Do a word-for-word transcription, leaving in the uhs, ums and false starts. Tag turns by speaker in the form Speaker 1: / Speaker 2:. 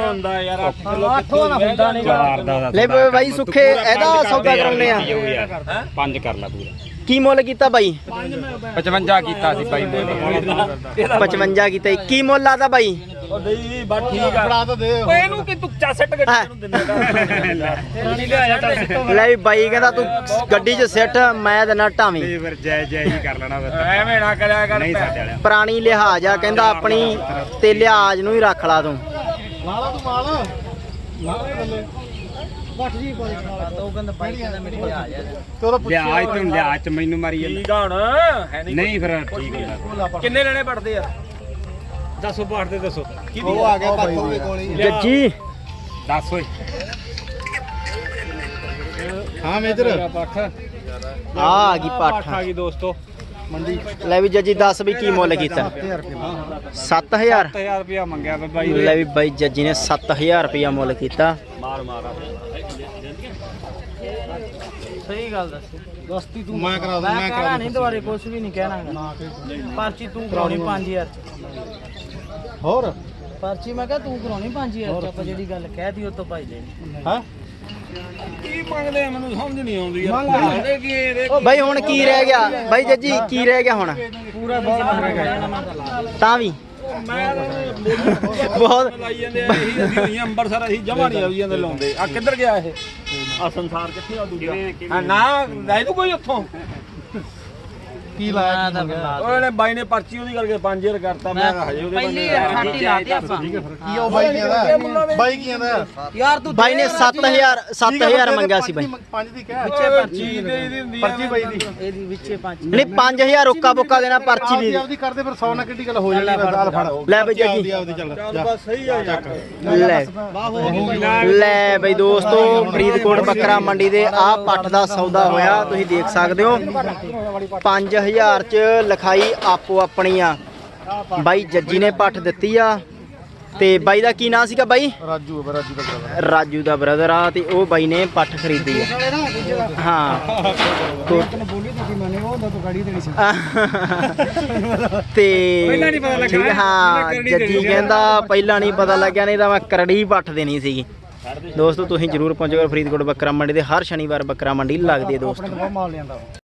Speaker 1: ਹੁੰਦਾ ਯਾਰ ਅੱਠ ਕਿਲੋ ਕਿੱਥੋਂ ਹੁੰਦਾ ਨਹੀਂ
Speaker 2: ਲੈ ਬਾਈ ਸੁੱਖੇ ਇਹਦਾ ਸੌਦਾ ਕਰਾਉਣੇ ਆ
Speaker 3: ਪੰਜ ਕਰ ਲਾ ਪੂਰਾ
Speaker 2: ਕੀ ਮੁੱਲ ਕੀਤਾ ਬਾਈ
Speaker 3: ਪਚਵੰਜਾ ਕੀਤਾ ਸੀ ਬਾਈ
Speaker 2: ਪਚਵੰਜਾ ਕੀਤਾ ਕੀ ਮੁੱਲ ਆਦਾ ਬਾਈ
Speaker 1: ਉਹ ਨਹੀਂ ਬਸ ਠੀਕ ਆ ਫੜਾ ਤਾਂ ਦੇ ਓਏ ਇਹਨੂੰ ਕਿ ਤੂੰ ਚਾ ਸੱਟ ਗੱਡੀ ਨੂੰ ਦਿੰਦਾ ਰਾਣੀ ਲਿਆ ਜਾ
Speaker 2: ਲੈ ਵੀ ਬਾਈ ਕਹਿੰਦਾ ਤੂੰ ਗੱਡੀ 'ਚ ਸਿੱਟ ਮੈਂ ਦੇਣਾ ਢਾਵੀਂ
Speaker 3: ਫਿਰ ਜੈ ਜੈ ਹੀ ਕਰ ਲੈਣਾ
Speaker 1: ਐਵੇਂ ਨਾ ਕਰਿਆ ਕਰ
Speaker 3: ਨਹੀਂ ਸਾਡੇ ਵਾਲਿਆ
Speaker 2: ਪੁਰਾਣੀ ਲਿਹਾਜ਼ ਆ ਕਹਿੰਦਾ ਆਪਣੀ ਤੇ ਲਿਹਾਜ਼ ਨੂੰ ਹੀ ਰੱਖ ਲਾ ਤੂੰ
Speaker 4: ਲਾਲਾ ਤੂੰ ਮਾਲ ਲਾ ਬੱਟ ਜੀ ਕੋਈ
Speaker 2: ਉਹ ਕਹਿੰਦਾ ਬਾਈ ਕਹਿੰਦਾ ਮੇਰੀ ਲਿਹਾਜ਼ ਆ
Speaker 4: ਤੇ ਉਹਦਾ
Speaker 3: ਲਿਆ ਇਤੋਂ ਲਿਆ ਚ ਮੈਨੂੰ ਮਾਰੀ
Speaker 1: ਠੀਕ ਆ ਹੁਣ ਹੈ ਨਹੀਂ
Speaker 3: ਨਹੀਂ ਫਿਰ ਠੀਕ ਹੈ
Speaker 1: ਕਿੰਨੇ ਲੈਣੇ ਪੜਦੇ ਯਾਰ
Speaker 3: ਦੱਸੋ ਬਾੜ ਦੇ ਦੱਸੋ
Speaker 4: ਉਹ ਆ ਗਿਆ ਪਾਥੋ ਦੇ ਕੋਲ ਹੀ
Speaker 2: ਜੱਜੀ
Speaker 3: ਦੱਸ ਓਏ
Speaker 4: ਹਾਂ ਮੇਜਰ
Speaker 2: ਆ ਆ ਗਈ ਪੱਠ
Speaker 3: ਆ ਗਈ ਦੋਸਤੋ
Speaker 4: ਮੰਡੀ
Speaker 2: ਲੈ ਵੀ ਜੱਜੀ ਦੱਸ ਵੀ ਕੀ ਮੁੱਲ ਕੀਤਾ ਸੱਤ ਹਜ਼ਾਰ
Speaker 3: ਸੱਤ ਹਜ਼ਾਰ ਰੁਪਇਆ ਮੰਗਿਆ ਵਾ ਬਾਈ
Speaker 2: ਲੈ ਵੀ ਬਾਈ ਜੱਜੀ ਨੇ ਸੱਤ ਹਜ਼ਾਰ ਰੁਪਇਆ ਮੁੱਲ ਕੀਤਾ
Speaker 1: ਮਾਰ ਮਾਰ
Speaker 2: ਸਹੀ ਗੱਲ ਦੱਸ
Speaker 4: ਦਸਤੀ ਤੂੰ ਮੈਂ ਕਰਾ ਦੂੰ ਮੈਂ ਕਰਾ
Speaker 2: ਨਹੀਂ ਦੁਬਾਰੇ ਕੁਝ ਵੀ ਨਹੀਂ ਕਹਿਣਾ ਪਰਚੀ ਤੂੰ ਕਰਾਉਣੀ ਪੰਜ ਹਜ਼ਾਰ
Speaker 4: ਹੋਰ
Speaker 2: ਪਰਚੀ ਮੈਂ ਕਿਹਾ ਤੂੰ ਕਰਾਉਣੀ ਪੰਜ ਹਜ਼ਾਰ ਆਪਾਂ ਜਿਹੜੀ ਗੱਲ ਕਹਿਤੀ ਉਹ ਤੋਂ ਭਾਈ ਲੈਣੀ
Speaker 4: ਹਾਂ
Speaker 1: ਕੀ ਮੰਗਦੇ ਆ ਮੈਨੂੰ ਸਮਝ ਨਹੀਂ ਆਉਂਦੀ ਯਾਰ ਮੰਗਦੇ ਕੀ ਇਹ
Speaker 2: ਓ ਬਾਈ ਹੁਣ ਕੀ ਰਹਿ ਗਿਆ ਬਾਈ ਜੱਜੀ ਕੀ ਰਹਿ ਗਿਆ ਹੁਣ
Speaker 4: ਪੂਰਾ ਬਹੁਤ ਮੰਗ ਗਿਆ
Speaker 2: ਤਾਂ ਵੀ
Speaker 1: ਮੈਂ
Speaker 2: ਬਹੁਤ
Speaker 1: ਲਾਈ ਜਾਂਦੇ ਆ ਇਹੀ ਅਸੀਂ ਹੋਈਆਂ ਅੰਬਰਸਰ ਅਸੀਂ ਜਮਾ ਨਹੀਂ ਆਈ ਜਾਂਦੇ ਲਾਉਂਦੇ ਆ ਕਿੱਧਰ ਗਿਆ ਇਹ ਆ ਸੰਸਾਰ ਕਿੱਥੇ ਆ ਦੂਜਾ ਆ ਨਾ ਲੈ ਤੂੰ ਕੋਈ ਉੱਥੋਂ
Speaker 4: ਕੀ ਲਾਇਆ
Speaker 1: ਉਹਨੇ ਬਾਈ ਨੇ ਪਰਚੀ ਉਹਦੀ ਕਰਕੇ ਪੰਜ ਹਜ਼ਾਰ ਕਰਤਾ ਮੈਂ ਹਜੇ ਉਹਦੇ
Speaker 2: ਪਹਿਲੀ ਅਠਾਟੀ ਲਾਤੀ ਆਪਾਂ
Speaker 4: ਕੀ ਉਹ ਬਾਈ ਕੀ ਆਂਦਾ ਬਾਈ ਕੀ ਆਂਦਾ
Speaker 2: ਯਾਰ ਤੂੰ ਬਾਈ ਨੇ ਸੱਤ ਹਜ਼ਾਰ ਸੱਤ ਹਜ਼ਾਰ ਮੰਗਿਆ ਸੀ ਬਾਈ
Speaker 4: ਪੰਜ ਦੀ ਕਹਿ
Speaker 1: ਵਿੱਚੇ ਪਰਚੀ ਦੇ ਦੀ ਹੁੰਦੀ ਆ
Speaker 4: ਪਰਚੀ ਬਾਈ ਦੀ
Speaker 2: ਇਹਦੀ ਵਿੱਚੇ ਪੰਜ ਨਹੀਂ ਪੰਜ ਹਜ਼ਾਰ ਰੋਕਾ ਬੋਕਾ ਦੇਣਾ ਪਰਚੀ ਵੀ
Speaker 4: ਆਪਦੀ ਕਰਦੇ ਫਿਰ ਸੌ ਨਾਲ ਕਿੱਡੀ ਗੱਲ ਹੋ ਜਾਣੀ ਬਸ ਆਲ ਫੜ
Speaker 2: ਲੈ ਬਈ
Speaker 4: ਆਪਦੀ
Speaker 2: ਜੱਜੀ
Speaker 4: ਆਪਦੀ ਚੱਲ
Speaker 1: ਚੱਲ ਬਸ ਸਹੀ ਆ ਯਾਰ
Speaker 2: ਲੈ ਲੈ ਬਈ ਦੋਸਤੋ ਫਰੀਦਕੋਟ ਬੱਕਰਾ ਮੰਡੀ ਦੇ ਆਹ ਪੱਠ ਦਾ ਸੌਦਾ ਹੋਇਆ ਤੁਸੀਂ ਦੇਖ ਸਕਦੇ ਹੋ ਪੰਜ ਹਜ਼ਾਰ ਚ ਲਿਖਾਈ ਆਪੋ ਆਪਣੀ ਆ ਬਾਈ ਜੱਜੀ ਨੇ ਪੱਠ ਦਿੱਤੀ ਆ ਤੇ ਬਾਈ ਦਾ ਕੀ ਨਾਂ ਸੀਗਾ ਬਾਈ
Speaker 4: ਰਾਜੂ ਰਾਜੂ ਦਾ brother।
Speaker 2: ਰਾਜੂ ਦਾ ਬ੍ਰਦਰ ਆ ਤੇ ਉਹ ਬਾਈ ਨੇ ਪੱਠ ਖਰੀਦੀ ਆ ਹਾਂ ਤੋ-
Speaker 4: ਬੋਲੀ ਤੁਸੀਂ ਮੰਨੇ ਉਹ ਹੁੰਦਾ ਤੂੰ ਗਾੜੀ ਦੇਣੀ ਸੀ
Speaker 2: ਤੇ
Speaker 3: ਪਹਿਲਾਂ ਨੀ ਪਤਾ ਲੱਗਾ
Speaker 2: ਠੀਕ ਆ, ਹਾਂ ਜੱਜੀ ਕਹਿੰਦਾ ਪਹਿਲਾਂ ਨਹੀਂ ਪਤਾ ਲੱਗਿਆ ਨਹੀਂ ਤਾਂ ਮੈਂ ਕਰੜੀ ਪੱਠ ਦੇਣੀ ਸੀਗੀ ਦੋਸਤੋ ਤੁਸੀਂ ਜਰੂਰ ਪਹੁੰਚੋ ਫਰੀਦਕੋਟ ਬੱਕਰਾ ਮੰਡੀ ਦੇ ਹਰ ਸ਼ਨੀਵਾਰ ਬੱਕਰਾ ਮੰਡੀ ਲੱਗਦੀ ਹੈ ਦੋਸਤੋ
Speaker 4: ਬਹੁਤ ਮਾਲ ਲਿਆਂਦਾ